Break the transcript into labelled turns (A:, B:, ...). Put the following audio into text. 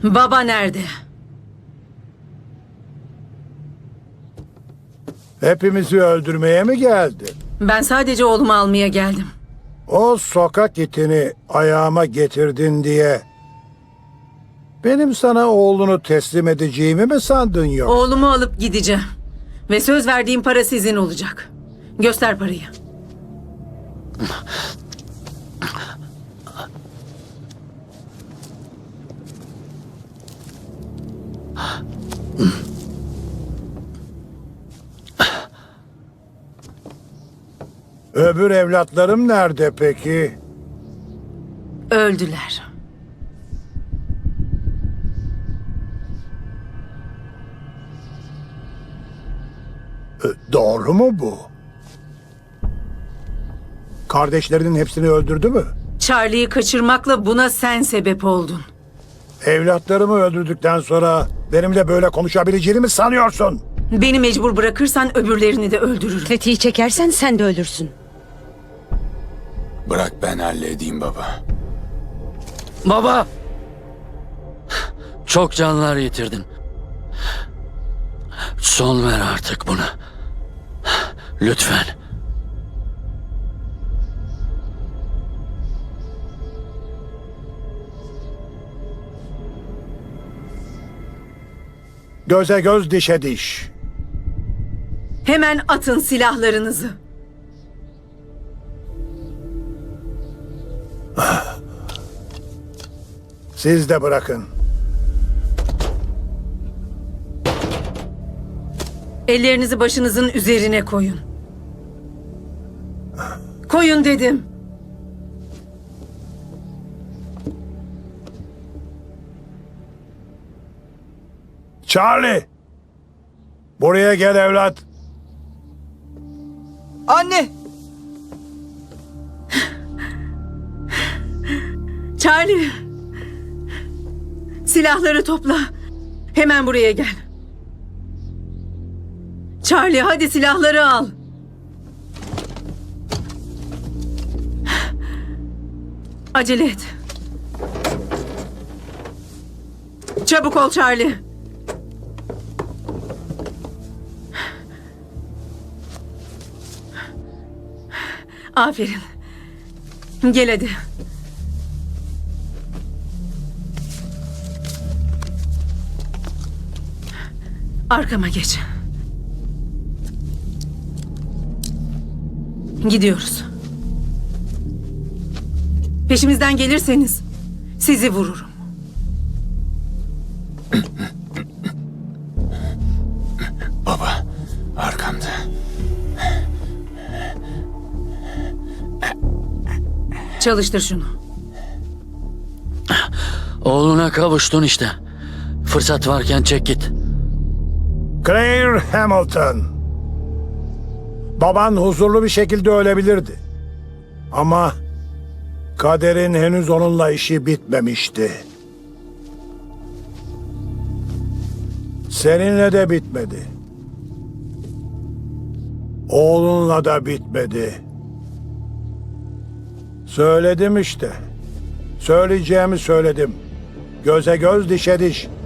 A: Baba nerede?
B: Hepimizi öldürmeye mi geldi?
A: Ben sadece oğlumu almaya geldim.
B: O sokak itini ayağıma getirdin diye benim sana oğlunu teslim edeceğimi mi sandın yok?
A: Oğlumu alıp gideceğim. Ve söz verdiğim para sizin olacak. Göster parayı.
B: Öbür evlatlarım nerede peki?
A: Öldüler.
B: Doğru mu bu? Kardeşlerinin hepsini öldürdü mü?
A: Charlie'yi kaçırmakla buna sen sebep oldun.
B: Evlatlarımı öldürdükten sonra benimle böyle konuşabileceğini mi sanıyorsun?
A: Beni mecbur bırakırsan öbürlerini de öldürürüm.
C: Tetiği çekersen sen de ölürsün.
D: Bırak ben halledeyim baba.
E: Baba! Çok canlar yitirdin. Son ver artık buna. Lütfen.
B: Göze göz, dişe diş.
A: Hemen atın silahlarınızı.
B: Siz de bırakın.
A: Ellerinizi başınızın üzerine koyun. Koyun dedim.
B: Charlie! Buraya gel evlat.
F: Anne!
A: Charlie! Silahları topla. Hemen buraya gel. Charlie, hadi silahları al. Acele et. Çabuk ol Charlie. Aferin. Gel hadi. Arkama geç. Gidiyoruz. Peşimizden gelirseniz sizi vururum.
D: Baba, arkamda.
A: Çalıştır şunu.
E: Oğluna kavuştun işte. Fırsat varken çek git.
B: Claire Hamilton. Baban huzurlu bir şekilde ölebilirdi. Ama kaderin henüz onunla işi bitmemişti. Seninle de bitmedi. Oğlunla da bitmedi. Söyledim işte. Söyleyeceğimi söyledim. Göze göz, dişe diş.